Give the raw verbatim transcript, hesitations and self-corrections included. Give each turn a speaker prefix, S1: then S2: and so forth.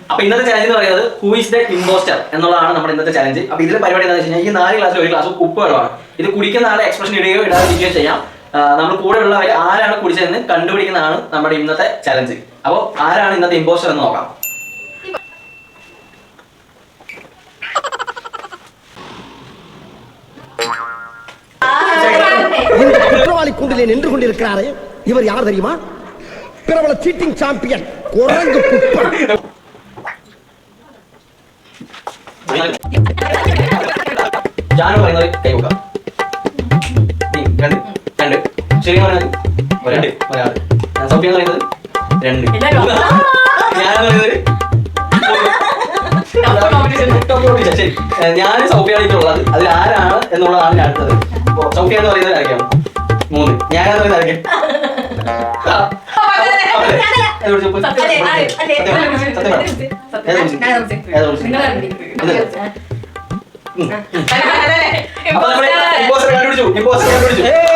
S1: അപ്പൊ ഇന്നത്തെ ചാലഞ്ച് എന്ന് പറയുന്നത് ഹൂ ഇസ് ദ ഇമ്പോസ്റ്റർ എന്നുള്ളതാണ് നമ്മുടെ ഇന്നത്തെ ചാലഞ്ച്. അപ്പൊ ഇതിലെ പരിപാടി എന്താണെന്ന് വെച്ച് കഴിഞ്ഞാൽ ഈ നാല് ഗ്ലാസ്സിൽ ഒരു ഗ്ലാസ് ഉപ്പ് വെള്ളമാണ്. ഇത് കുടിക്കുന്ന ആളെ എക്സ്പ്രഷൻ ഇടുകയോ ഇടാതിരിക്കുകയോ ചെയ്യാം. നമ്മൾ കൂടെ ഉള്ളവർ ആരാണ് കുടിച്ചതെന്ന് കണ്ടുപിടിക്കുന്നതാണ് നമ്മുടെ ഇന്നത്തെ ചാലഞ്ച്. അപ്പോൾ ആരാണ് ഇന്നത്തെ ഇമ്പോസ്റ്റർ എന്ന് നോക്കാം.
S2: குற்றவாளி கூண்டிலே நின்று கொண்டிருக்கிறாரே இவர் யார் தெரியுமா? பிரபல சீட்டிங் சாம்பியன் குரங்கு குப்பன்.
S1: ജാനു പറയുന്നത് കൈ വെക്കാം. രണ്ട് രണ്ട് ശരി പറയുന്നത് രണ്ട് ഒരാൾ. സൗഫിയ എന്ന് പറയുന്നത് രണ്ട്. ഞാൻ പറയുന്നത് ശരി. ഞാൻ സൗഫിയാണ് ഇട്ടുള്ളത്. അതിൽ ആരാണ് എന്നുള്ളതാണ് ഞാൻ അടുത്തത്. സൗഫിയ എന്ന് പറയുന്നത് ആരൊക്കെയാണ്? മൂന്ന്. ഞാൻ എന്ന് പറയുന്നത് ആരൊക്കെ? അപ്പൊ നമ്മള് ഇമ്പോസ്റ്റർ കണ്ടുപിടിച്ചു. ഇമ്പോസ്റ്റർ കണ്ടുപിടിച്ചു.